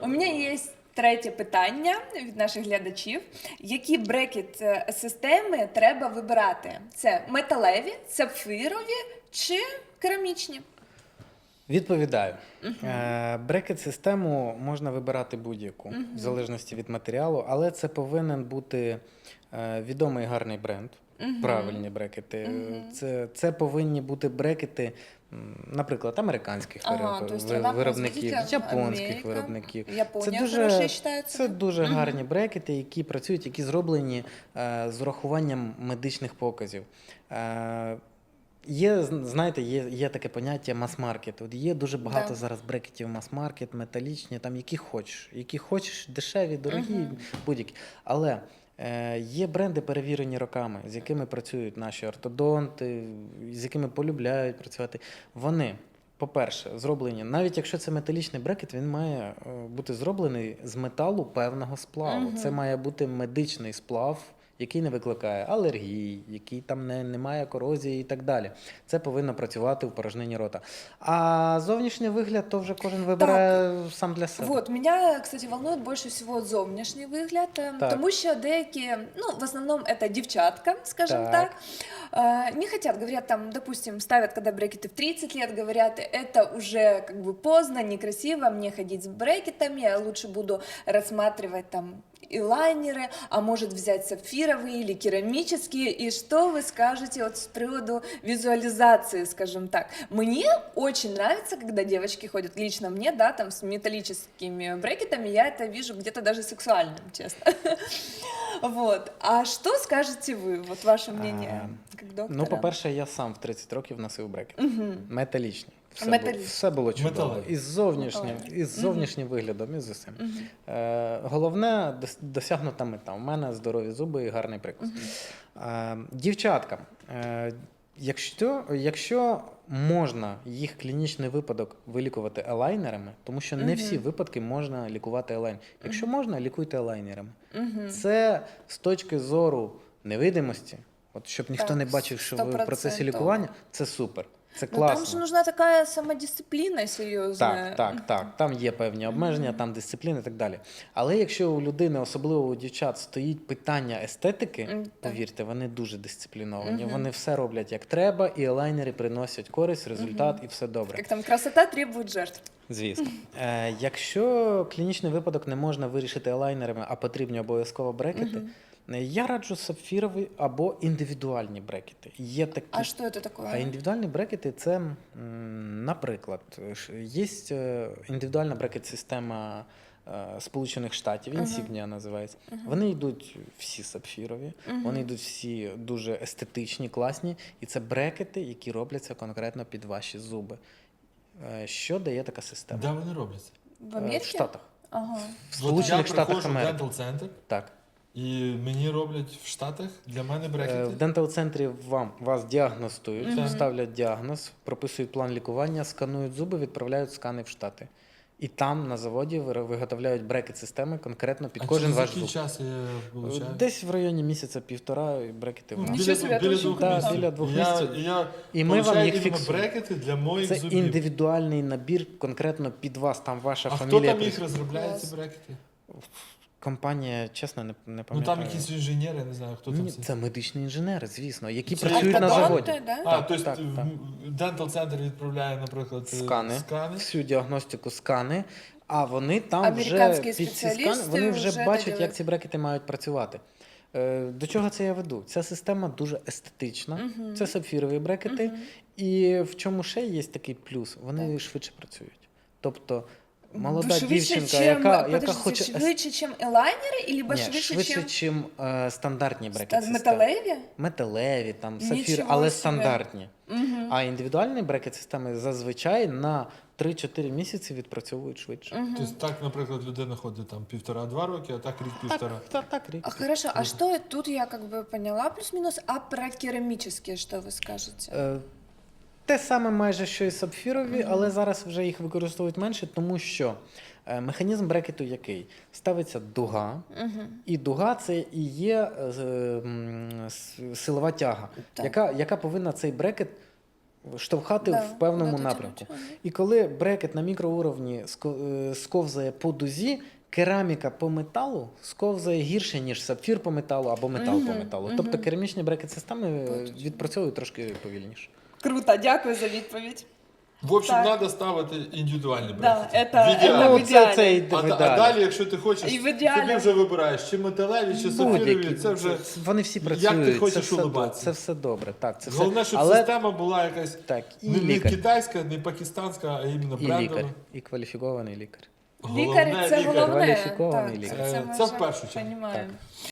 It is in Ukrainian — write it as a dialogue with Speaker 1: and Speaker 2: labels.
Speaker 1: У мене є третє питання від наших глядачів. Які брекет-системи треба вибирати? Це металеві, сапфирові чи керамічні?
Speaker 2: Відповідаю. Брекет-систему можна вибирати будь-яку, в залежності від матеріалу, але це повинен бути відомий гарний бренд, правильні брекети. Це повинні бути брекети, наприклад, американських виробників, японських виробників.
Speaker 1: Японія хороша вважається.
Speaker 2: Це дуже гарні брекети, які працюють, які зроблені з урахуванням медичних показів. Є, знаєте, є таке поняття мас-маркет. От є дуже багато зараз брекетів мас-маркет, металічні, там які хочеш, дешеві, дорогі, будь-які. Але є бренди, перевірені роками, з якими працюють наші ортодонти, з якими полюбляють працювати. Вони, по-перше, зроблені, навіть якщо це металічний брекет, він має бути зроблений з металу певного сплаву. Це має бути медичний сплав, який не викликає алергій, який там не має корозії і так далі. Це повинно працювати в порожнині рота. А зовнішній вигляд, то вже кожен вибирає сам для себе.
Speaker 1: Вот, меня, кстати, волнует больше всего зовнішній вигляд, тому що деякі, в основном это девчатка, скажем так, не хотят, говорят, там, допустим, ставят, когда брекеты в 30 лет, говорят, это уже как бы поздно, некрасиво, мне ходить с брекетами, я лучше буду рассматривать там и лайнеры, а может взять сапфировые или керамические. И что вы скажете вот с приводу визуализации, скажем так? Мне очень нравится, когда девочки ходят, лично мне, да, там с металлическими брекетами, я это вижу где-то даже сексуальным, честно. Вот. А что скажете вы? Вот ваше мнение как доктора?
Speaker 2: Ну, по-перше, я сам в 30 років носив брекети. Металічні. Все було чудово. І з зовнішнім виглядом, і з усім. Головне – досягнута мета. У мене здорові зуби і гарний прикус. Дівчаткам, якщо можна їх клінічний випадок вилікувати елайнерами, тому що не всі випадки можна лікувати елайнерами. Якщо можна, лікуйте елайнерами. Це з точки зору невидимості, от щоб ніхто не бачив, що ви в процесі лікування, це супер. Це класно.
Speaker 1: Там же нужна така самодисципліна серйозна.
Speaker 2: Так. Там є певні обмеження, там дисципліна і так далі. Але якщо у людини, особливо у дівчат, стоїть питання естетики, повірте, вони дуже дисципліновані. Вони все роблять як треба, і елайнери приносять користь, результат, і все добре.
Speaker 1: Як там красота требує жертв.
Speaker 2: Звісно. Якщо клінічний випадок не можна вирішити елайнерами, а потрібні обов'язково брекети, я раджу сапфірові або індивідуальні брекети. Є такі...
Speaker 1: А що це таке?
Speaker 2: А індивідуальні брекети – це, наприклад, є індивідуальна брекет-система Сполучених Штатів, Insignia називається. Вони йдуть всі сапфірові, вони йдуть всі дуже естетичні, класні, і це брекети, які робляться конкретно під ваші зуби. Що дає така система?
Speaker 3: Де вони робляться?
Speaker 1: В Америці?
Speaker 2: В Штатах.
Speaker 1: Ага.
Speaker 2: В Сполучених Штатах Америки.
Speaker 3: Я приходжу в дентал-центр,
Speaker 2: Так.
Speaker 3: і мені роблять в Штатах для мене брекети.
Speaker 2: В дентал-центрі вас діагностують, ставлять діагноз, прописують план лікування, сканують зуби, відправляють скани в Штати. І там на заводі виготовляють брекет-системи конкретно під кожен ваш зуб.
Speaker 3: А через який час я получаю?
Speaker 2: Десь в районі місяця-півтора брекети в нас.
Speaker 3: Біля 2 місяців.
Speaker 2: І ми вам їх
Speaker 3: фіксуємо.
Speaker 2: фіксуємо.
Speaker 3: Брекети для моїх
Speaker 2: Це
Speaker 3: зубів.
Speaker 2: індивідуальний набір конкретно під вас, там ваша
Speaker 3: А
Speaker 2: фамілія.
Speaker 3: хто там їх розробляє, ці брекети?
Speaker 2: Компанія, чесно, не пам'ятаю.
Speaker 3: Ну там якісь інженери, я не знаю, хто там.
Speaker 2: Це медичні інженери, звісно, які
Speaker 3: Це
Speaker 2: працюють на заводі.
Speaker 1: Да?
Speaker 3: Тобто дентал-центр відправляє, наприклад, скани.
Speaker 2: Всю діагностику скани, а вони там
Speaker 1: Американські
Speaker 2: вже під ці скани,
Speaker 1: спеціалісти
Speaker 2: вони вже
Speaker 1: вже
Speaker 2: бачать,
Speaker 1: додають.
Speaker 2: як ці брекети мають працювати. До чого це я веду? Ця система дуже естетична, це сапфірові брекети, і в чому ще є такий плюс? Вони швидше працюють. Тобто молода дівчинка, яка хоче...
Speaker 1: Швидше, ніж елайнери, або
Speaker 2: швидше, ніж стандартні брекет-системи.
Speaker 1: Металеві?
Speaker 2: Металеві, там, сапфір,
Speaker 1: Нічого
Speaker 2: але
Speaker 1: собі.
Speaker 2: стандартні. А індивідуальні брекет-системи зазвичай на 3-4 місяці відпрацьовують швидше.
Speaker 3: Тобто так, наприклад, людина ходить там 1,5-2 роки, а так рік-півтора.
Speaker 2: Так, рік.
Speaker 1: Хорошо, а что тут я как бы поняла плюс-минус, а про керамические что вы скажете?
Speaker 2: Те саме майже, що і сапфірові, але зараз вже їх використовують менше, тому що механізм брекету який? Ставиться дуга, і дуга – це і є силова тяга, яка повинна цей брекет штовхати
Speaker 1: Да,
Speaker 2: в певному
Speaker 1: куди-то
Speaker 2: напрямку.
Speaker 1: тягнуть.
Speaker 2: І коли брекет на мікроуровні сковзає по дузі, кераміка по металу сковзає гірше, ніж сапфір по металу або метал по металу. Тобто керамічні брекет-системи відпрацьовують трошки повільніше.
Speaker 1: Круто, дякую за відповідь.
Speaker 3: В общем,
Speaker 1: Так.
Speaker 3: треба ставити індивідуальні
Speaker 1: Да,
Speaker 3: брекети.
Speaker 1: это-
Speaker 3: В ідеалі.
Speaker 1: это в ідеалі.
Speaker 2: Це йде в
Speaker 3: А
Speaker 2: ідеалі.
Speaker 3: далі, якщо ти хочеш,
Speaker 1: І в ідеалі.
Speaker 3: собі вже вибираєш, чи металеві, чи сапфірові,
Speaker 2: Будь-які.
Speaker 3: це вже...
Speaker 2: Вони всі
Speaker 3: як
Speaker 2: працюють,
Speaker 3: ти хочеш
Speaker 2: це все,
Speaker 3: улыбатися.
Speaker 2: це все добре. Так, це
Speaker 3: Головне,
Speaker 2: все.
Speaker 3: щоб
Speaker 2: Але
Speaker 3: система була якась
Speaker 2: так, і
Speaker 3: не
Speaker 2: лікар,
Speaker 3: китайська, не пакистанська, а іменно
Speaker 2: і
Speaker 3: брендова.
Speaker 2: лікар, і кваліфікований лікар.
Speaker 1: Лікар це головне.
Speaker 2: Кваліфікований
Speaker 1: Так,
Speaker 2: лікар.
Speaker 1: це ми
Speaker 3: Це в
Speaker 1: вже
Speaker 3: першу чергу.
Speaker 1: понімаємо.